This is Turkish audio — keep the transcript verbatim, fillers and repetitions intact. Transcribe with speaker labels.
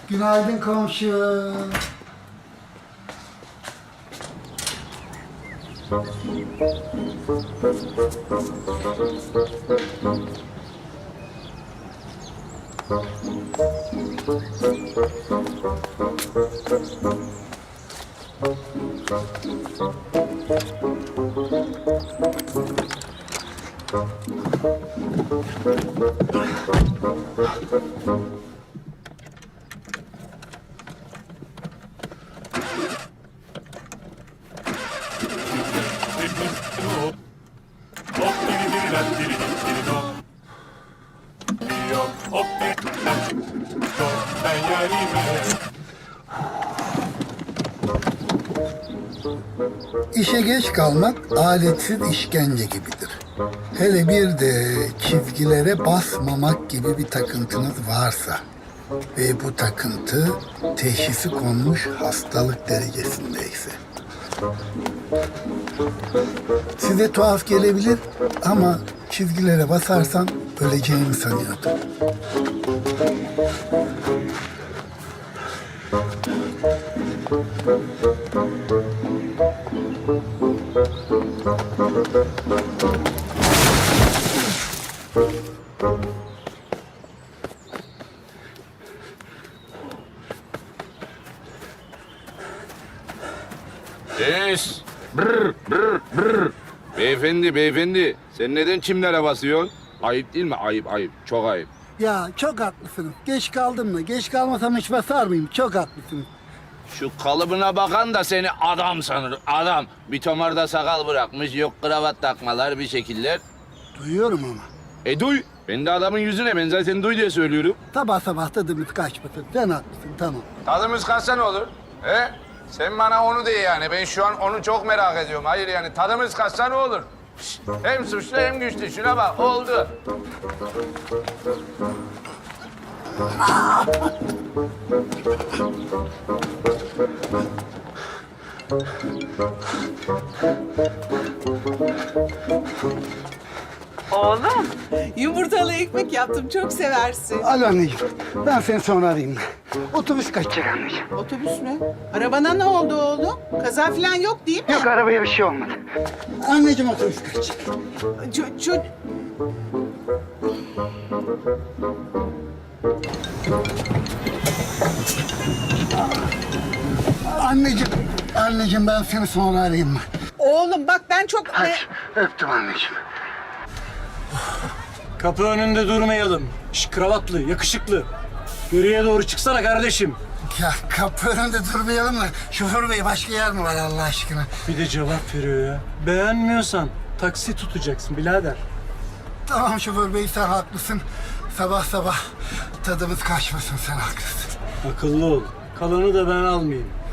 Speaker 1: Günaydın komşu. İşe geç kalmak aletsiz işkence gibidir. Hele bir de çizgilere basmamak gibi bir takıntınız varsa ve bu takıntı teşhisi konmuş hastalık derecesindeyse. Size tuhaf gelebilir ama çizgilere basarsan öleceğimi sanıyordum.
Speaker 2: Yes. Brr, brr, brr. Beyefendi, beyefendi. Sen neden çimlere basıyorsun? Ayıp değil mi? Ayıp, ayıp. Çok ayıp.
Speaker 1: Ya çok haklısınız. Geç kaldım mı? Geç kalmasam hiç basar mıyım? Çok haklısınız.
Speaker 2: Şu kalıbına bakan da seni adam sanır. Adam. Bir tomarda sakal bırakmış. Yok kravat takmalar, bir şekiller.
Speaker 1: Duyuyorum ama.
Speaker 2: E duy. Ben de adamın yüzüne. Ben zaten duy diye söylüyorum.
Speaker 1: Sabah sabah tadımız kaçmasın. Sen haklısın, tamam.
Speaker 2: Tadımız kaçsa ne olur? He? Sen bana onu de yani. Ben şu an onu çok merak ediyorum. Hayır yani tadımız kaçsa ne olur? Şşt, hem suçlu hem güçlü. Şuna bak. Oldu.
Speaker 3: Oğlum, yumurtalı ekmek yaptım, çok seversin.
Speaker 1: Alo anneciğim, ben seni sonra arayayım. Otobüs kaçacak anneciğim.
Speaker 3: Otobüs mü? Arabana ne oldu oğlum? Kaza falan yok değil mi?
Speaker 1: Yok, arabaya bir şey olmadı. Anneciğim otobüs kaçacak.
Speaker 3: Ço- ço-
Speaker 1: Anneciğim, anneciğim ben seni sonra arayayım mı?
Speaker 3: Oğlum bak ben çok...
Speaker 1: Hadi, öptüm anneciğim.
Speaker 4: Kapı önünde durmayalım. Şş, kravatlı, yakışıklı. Yürüye doğru çıksana kardeşim.
Speaker 1: Ya kapı önünde durmayalım da şoför bey başka yer mi var Allah aşkına?
Speaker 4: Bir de cevap veriyor ya. Beğenmiyorsan taksi tutacaksın birader.
Speaker 1: Tamam şoför bey sen haklısın. Sabah sabah tadımız kaçmasın sen haklısın.
Speaker 4: Akıllı ol. Kalanı da ben almayayım.